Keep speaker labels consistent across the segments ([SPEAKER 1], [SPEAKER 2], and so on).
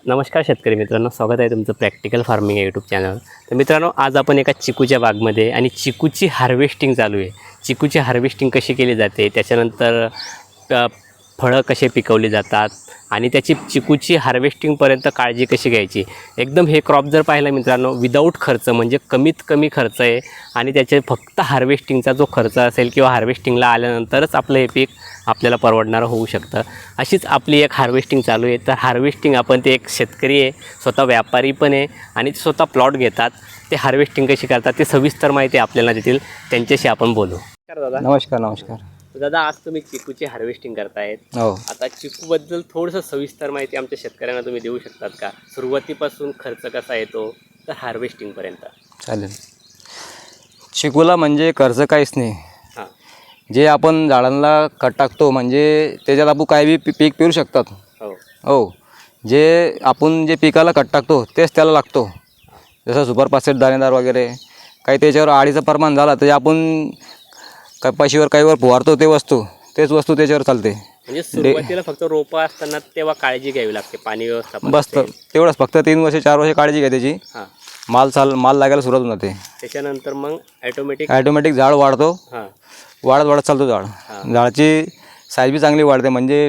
[SPEAKER 1] नमस्कार शेतकरी मित्रांनो, स्वागत आहे तुमचं प्रॅक्टिकल फार्मिंग या यूट्यूब चॅनल. तर मित्रांनो, आज आपण एका चिकूच्या बागमध्ये आणि चिकूची हार्वेस्टिंग चालू आहे. चिकूची हार्वेस्टिंग कशी केली जाते, त्याच्यानंतर फळं कसे पिकवली जातात आणि त्याची चिकूची हार्वेस्टिंगपर्यंत काळजी कशी घ्यायची. एकदम हे क्रॉप जर पाहिलं मित्रांनो, विदाऊट खर्च म्हणजे कमीत कमी खर्च आहे आणि त्याचे फक्त हार्वेस्टिंगचा जो खर्च असेल किंवा हार्वेस्टिंगला आल्यानंतरच आपलं हे पीक आपल्याला परवडणारं होऊ शकतं. अशीच आपली एक हार्वेस्टिंग चालू आहे. तर हार्वेस्टिंग आपण ते एक शेतकरी आहे, स्वतः व्यापारी पण आहे आणि स्वतः प्लॉट घेतात. ते हार्वेस्टिंग कशी करतात ते सविस्तर माहिती आपल्याला देतील. त्यांच्याशी आपण बोलू. दादा
[SPEAKER 2] नमस्कार. नमस्कार
[SPEAKER 1] दादा, आज तुम्ही चिकूची हार्वेस्टिंग करतायत.
[SPEAKER 2] हो.
[SPEAKER 1] आता चिकूबद्दल थोडंसं सविस्तर माहिती आमच्या शेतकऱ्यांना तुम्ही देऊ शकतात का? सुरुवातीपासून खर्च कसा येतो तर हार्वेस्टिंगपर्यंत.
[SPEAKER 2] चालेल. चिकूला म्हणजे खर्च काहीच नाही.
[SPEAKER 1] हां.
[SPEAKER 2] जे आपण झाडांना खत टाकतो म्हणजे त्याच्यात आपण काही बी पीक पेरू शकतात.
[SPEAKER 1] हो
[SPEAKER 2] हो. जे आपण जे पिकाला खत टाकतो तेच त्याला लागतो. जसं सुपर फास्फेट दाणेदार वगैरे काही त्याच्यावर आळीचं प्रमाण झाला तर आपण कपाशीवर काहीवर फवारतो तेच वस्तू त्याच्यावर चालते.
[SPEAKER 1] म्हणजे सुरुवातीला फक्त रोपं असताना तेव्हा काळजी घ्यावी लागते, पाणी व्यवस्थापन
[SPEAKER 2] बस तेवढंच. फक्त 3 वर्ष 4 वर्ष काळजी घ्या त्याची.
[SPEAKER 1] हां.
[SPEAKER 2] माल लागायला सुरुवात होऊन जाते.
[SPEAKER 1] त्याच्यानंतर मग
[SPEAKER 2] ॲटोमॅटिक झाड वाढतो.
[SPEAKER 1] हां.
[SPEAKER 2] वाढत चालतो झाड. झाडाची साईज बी चांगली वाढते. म्हणजे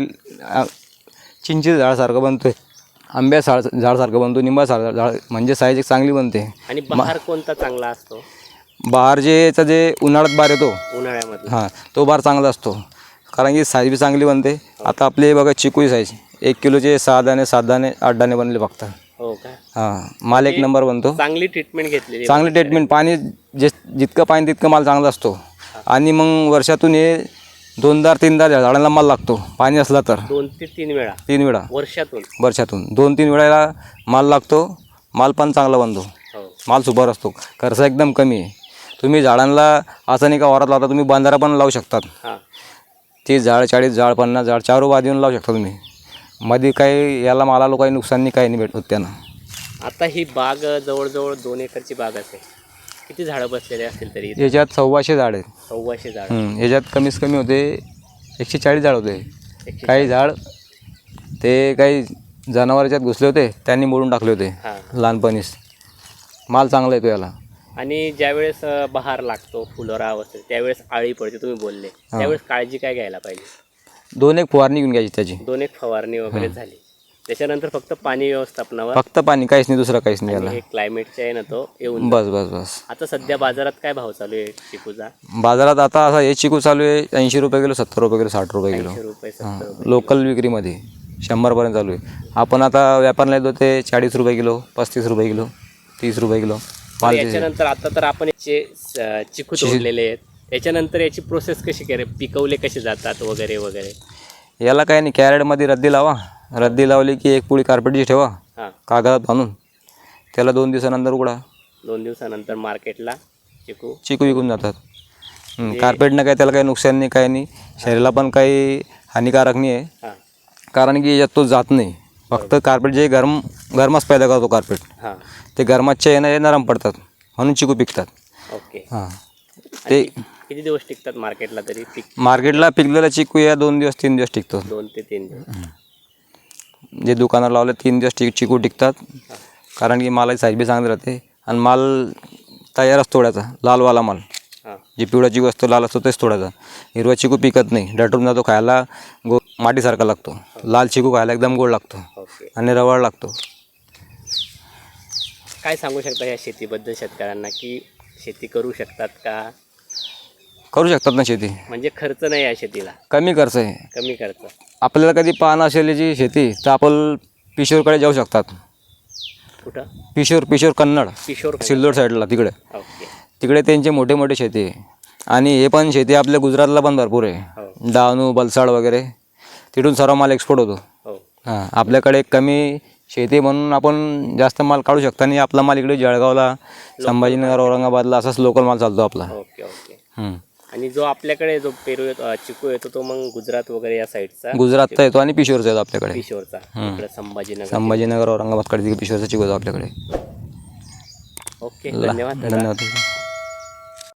[SPEAKER 2] चिंचेचं झाडासारखं बनतो, झाडासारखं बनतो, निंबासारखं झाड म्हणजे साईज एक चांगली बनते.
[SPEAKER 1] आणि बहार कोणता चांगला असतो?
[SPEAKER 2] बहार जे उन्हाळ्यात बार येतो
[SPEAKER 1] उन्हाळ्यामध्ये.
[SPEAKER 2] हां, तो बार चांगला असतो कारण की साईज बी चांगली बनते. आता आपले बघा चिकूची साईज 1 किलोचे 6 दाणे 7 दाणे 8 दाणे बनले फक्त.
[SPEAKER 1] हो का?
[SPEAKER 2] हां, माल एक नंबर बनतो.
[SPEAKER 1] चांगली ट्रीटमेंट घेतलेली.
[SPEAKER 2] चांगली ट्रीटमेंट. पाणी जितकं पाणी तितकं माल चांगला असतो. आणि मग वर्षातून हे 2-3 झाडांना माल लागतो पाणी असला तर.
[SPEAKER 1] 2 ते 3 वेळा.
[SPEAKER 2] 3 वेळा
[SPEAKER 1] वर्षातून
[SPEAKER 2] 2-3 वेळेला माल लागतो. माल पण चांगला बनतो.
[SPEAKER 1] हो.
[SPEAKER 2] माल सुपर असतो. खर्च एकदम कमी आहे. तुम्ही झाडांना असं नाही का वारात लावता, तुम्ही बांधारा पण लावू शकतात.
[SPEAKER 1] हां.
[SPEAKER 2] 30 झाड 40 झाड 50 झाड 4 बाद येऊन लावू शकता तुम्ही. मध्ये काही याला मालाला काही नुकसान नाही, काही नाही भेटत त्यांना.
[SPEAKER 1] आता ही बाग जवळजवळ 2 एकरची बाग असेल. किती झाडं बसलेले असतील तरी?
[SPEAKER 2] याच्यात 1,200 झाड आहेत.
[SPEAKER 1] 1,200 झाड.
[SPEAKER 2] याच्यात कमीत कमी होते 140 झाड होते. काही झाड ते काही जनावरांच्यात घुसले होते, त्यांनी मोडून टाकले होते लहानपणीच. माल चांगला येतो याला.
[SPEAKER 1] आणि ज्यावेळेस बहार लागतो, फुलोरा अवस्थेत, त्यावेळेस आळी पडते तुम्ही बोलले, त्यावेळेस काळजी काय घ्यायला पाहिजे?
[SPEAKER 2] 2 एक फवारणी घेऊन घ्यायची त्याची.
[SPEAKER 1] 2 एक फवारणी वगैरे झाली. त्याच्यानंतर फक्त पाणी व्यवस्थापनावर,
[SPEAKER 2] फक्त पाणी, काहीच नाही, दुसरं काहीच नाही याला.
[SPEAKER 1] हे क्लायमेटचे आहे ना तो येऊन.
[SPEAKER 2] बस.
[SPEAKER 1] आता सध्या बाजारात काय भाव चालू आहे चिकूचा?
[SPEAKER 2] बाजारात आता असा हे चिकू चालू आहे 80 रुपये किलो, 70 रुपये किलो, 60 रुपये किलो.
[SPEAKER 1] 80 रुपये 70 रुपये.
[SPEAKER 2] लोकल विक्रीमध्ये 100पर्यंत चालू आहे. आपण आता व्यापारला येतो ते 40 रुपये किलो, 35 रुपये किलो, 30 रुपये किलो.
[SPEAKER 1] याच्यानंतर आता तर आपण याचे चिकू तोडलेले आहेत. याच्यानंतर याची प्रोसेस कशी पिकवले कसे जातात वगैरे वगैरे?
[SPEAKER 2] याला काय नाही, कॅरेटमध्ये रद्दी लावा. रद्दी लावली की एक पुळी कार्पेटची ठेवा कागदात बांधून. त्याला 2 दिवसानंतर उघडा.
[SPEAKER 1] 2 दिवसानंतर मार्केटला चिकू
[SPEAKER 2] विकून जातात. कार्पेटनं काय त्याला काही नुकसान नाही, काही नाही. शरीराला पण काही हानिकारक नाही आहे. कारण की याच्यात तो जात नाही. फक्त कार्पेट जे गरमाच पैदा करतो कार्पेट, ते गरमाच्या येणं हे नरम पडतात म्हणून चिकू पिकतात.
[SPEAKER 1] ओके.
[SPEAKER 2] हां. ते
[SPEAKER 1] किती दिवस टिकतात मार्केटला तरी?
[SPEAKER 2] मार्केटला पिकलेला चिकू या 2 दिवस 3 दिवस टिकतो.
[SPEAKER 1] 2 ते 3 दिवस.
[SPEAKER 2] जे दुकानात लावले 3 दिवस चिकू टिकतात. कारण की मालाची साईज बी चांगली राहते आणि माल तयारच तोडायचा, लालवाला माल. जे पिवळा चिकू असतो लाल असतो तेच तोडायचा. हिरवा चिकू पिकत नाही, डटून जातो, खायला मातीसारखा लागतो. लाल चिकू खायला एकदम गोड लागतो आणि रवाळ लागतो.
[SPEAKER 1] काय सांगू शकता या शेतीबद्दल शेतकऱ्यांना, की शेती करू शकतात का?
[SPEAKER 2] करू शकतात ना शेती.
[SPEAKER 1] म्हणजे खर्च नाही या शेतीला?
[SPEAKER 2] कमी खर्च आहे.
[SPEAKER 1] कमी खर्च.
[SPEAKER 2] आपल्याला कधी पाहणं असेल याची शेती तर आपण पिशोरकडे जाऊ शकतात.
[SPEAKER 1] कुठं?
[SPEAKER 2] पिशोर कन्नड, सिल्लोड साईडला तिकडे. तिकडे त्यांचे मोठे शेती आहे. आणि हे पण शेती आपल्या गुजरातला पण भरपूर आहे. डहाणू, वलसाड वगैरे तिथून सर्व माल एक्सपोर्ट होतो. हां, आपल्याकडे कमी शेती म्हणून आपण जास्त माल काढू शकतो. आणि आपला माल इकडे जळगावला, संभाजीनगर, औरंगाबादला असाच लोकल माल चालतो आपला. आणि जो आपल्याकडे जो चिकू येतो तो मग गुजरात वगैरे या साईडचा, गुजरातचा येतो आणि पिशोरचा येतो आपल्याकडे.
[SPEAKER 1] पिशोरचा
[SPEAKER 2] संभाजीनगर औरंगाबादकडे पिशोरचा चिकू येतो आपल्याकडे.
[SPEAKER 1] ओके, धन्यवाद.